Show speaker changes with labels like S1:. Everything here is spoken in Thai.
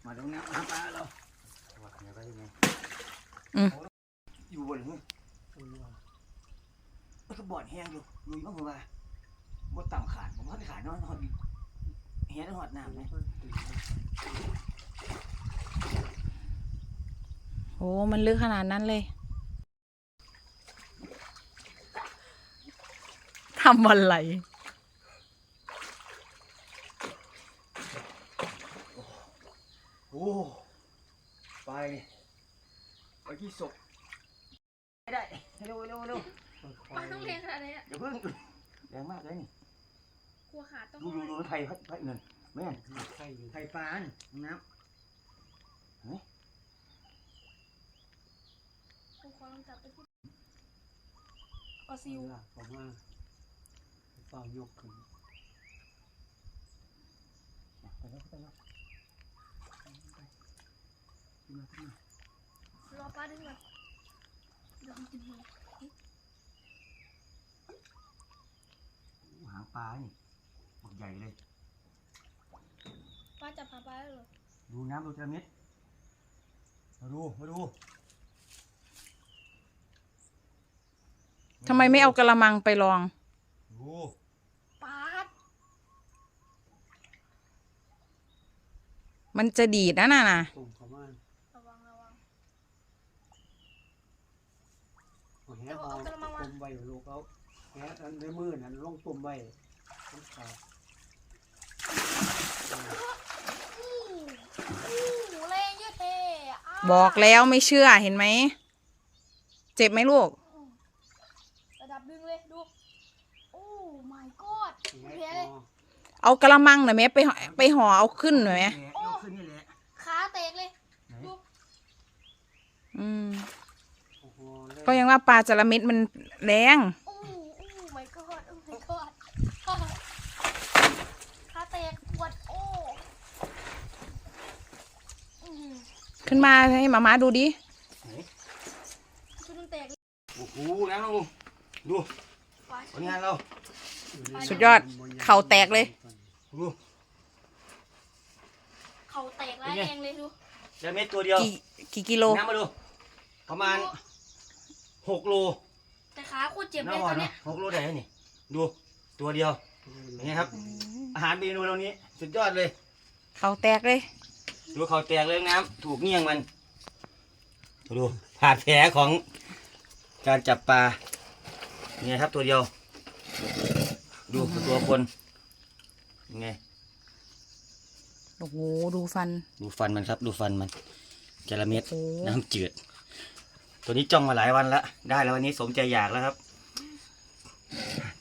S1: มาตรงนี้น้ำปลาเราวัดเนี่ยก็ยังไงอยู่บนนี้ก็บ่อนแห้งอยู่บ้างผมว่าบ่ต่ำขาดผมว่าขาดน้อยหอดแห้งหอดน้ำไหม
S2: โอ้มันลึกขนาดนั้นเลยทำอะไร
S1: โอ้ไปที่ศพไม่ได้เร็ว
S3: ปลาต้องเลี้ยงขนาดนี้
S1: อย่าเพิ่งแรงมากเลยนี่
S3: กลัวขาต้อง
S1: ดูไทยเงินแม่ไทยปานน้ำเฮ้ย
S3: กูขอลองจับไปที่ปลาซิว
S4: ผมว่าเปล่ายกขึ้น
S1: ไปแล้ว
S3: รอปลาดึงก่อนเดี๋ยวมันกินหัว
S1: หางปลานี่บักใหญ่เลย
S3: ปลาจับหาปลาได้เหรอ
S1: ดูน้ำดูจระเม็ดมาดู
S2: ทำไมไม่เอากระมังไปลอง
S3: ปลา
S2: มันจะดีดนะน่ะ
S3: ระวัง
S4: แหเอาตุ่มใบลูกเอาแหอันในมือนั่นลงตุ่มใบ
S3: แรงเยอะเท่
S2: บอกแล้วไม่เชื่อเห็นไหมเจ็บไหมลูก
S3: ระดับดึงเลยดูโอ้ my god เพี้ยเลย
S2: เอากระมังหน่อยไหมไปห่อเอาขึ้นหน่อยไหม
S3: ขาเตกเลยดู
S2: ก็ยังว่าปลาจระเม็ดมันแรง
S3: โอ้ my god โอ้ my god ขาเตกปวดโอ้
S2: ขึ้นมาให้มาม่าดูดิ
S3: ชุดมันแตก
S1: โอ้โหน้ำลงดูผลงานเรา
S2: สุดยอดเข่าแตกเลย
S1: ดู
S3: เข่าแตกร้ายแรงเลยดู
S1: จระเม็ดตัวเดียว
S2: กี่กิโล
S1: น้ำมาดูประมาณ6 โล
S3: แต่ขาโคตรเจ็บเลยตัวเนี้ย
S1: 6 โลได้นี่ดูตัวเดียวอย่างนี้ครับอาหารเมนูเรานี้สุดยอดเลย
S2: เข่าแตกเลย
S1: ดูเข่าแตกเลยน้ำถูกเงี้ยงมันดูผ่าแผลของการจับปลาเนี่ยครับตัวเดียวดูตัวคนยังไง
S2: โอ้โหดูฟัน
S1: มันครับดูฟันมันจระเม็ดน้ำจืดตัวนี้จ้องมาหลายวันแล้วได้แล้ววันนี้สมใจอยากแล้วครับ